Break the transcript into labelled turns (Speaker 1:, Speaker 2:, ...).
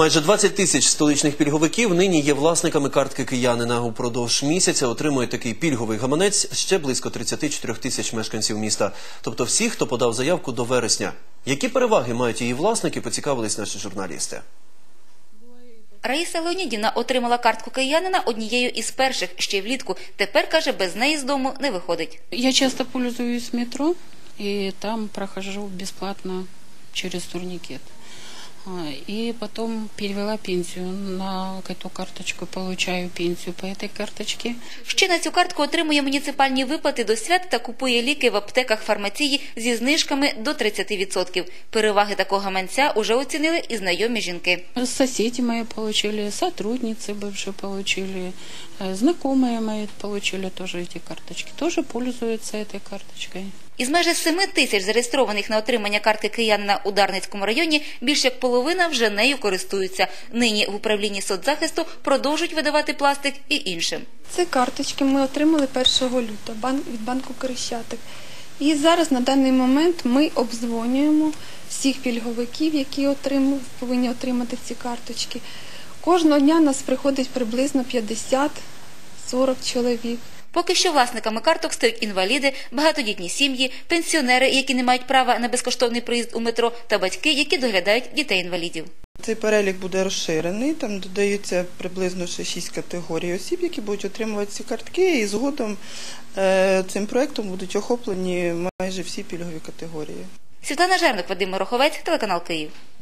Speaker 1: Майже 20 тисяч столичних пільговиків нині є власниками картки киянина. Упродовж місяця отримує такий пільговий гаманець ще близько 34 тисяч мешканців міста. Тобто всі, хто подав заявку до вересня. Які переваги мають її власники, поцікавились наші журналісти.
Speaker 2: Раїса Леонідівна отримала картку киянина однією із перших ще влітку. Тепер, каже, без неї з дому не виходить.
Speaker 3: Я часто пользуюсь метро, и там прохожу бесплатно через турникет. И потом перевела пенсию на эту карточку, получаю пенсию по этой карточке.
Speaker 2: Ще на цю картку отримує муніципальні виплати до свят та купує ліки в аптеках фармації зі знижками до 30%. Переваги такого гаманця уже оцінили і знайомі жінки.
Speaker 3: Соседи мои получили, сотрудницы бывшие получили, знакомые мои получили тоже эти карточки. Тоже пользуются этой карточкой.
Speaker 2: Із майже 7 тисяч зареєстрованих на отримання картки киянина у Дарницькому районі більш як половина вже нею користуються. Нині в управлінні соцзахисту продовжують видавати пластик і іншим.
Speaker 4: Ці карточки ми отримали 1 лютого від банку Крещатик. І зараз на даний момент ми обдзвонюємо всіх пільговиків, які повинні отримати ці карточки. Кожного дня нас приходить приблизно 50-40 чоловік.
Speaker 2: Поки що власниками карток стають інваліди, багатодітні сім'ї, пенсіонери, які не мають права на безкоштовний проїзд у метро, та батьки, які доглядають дітей-інвалідів.
Speaker 5: Цей перелік буде розширений, там додаються приблизно ще 6 категорій осіб, які будуть отримувати ці картки, і згодом цим проєктом будуть охоплені майже всі пільгові категорії.
Speaker 2: Світлана Жерник, Вадим Мороховець, телеканал Київ.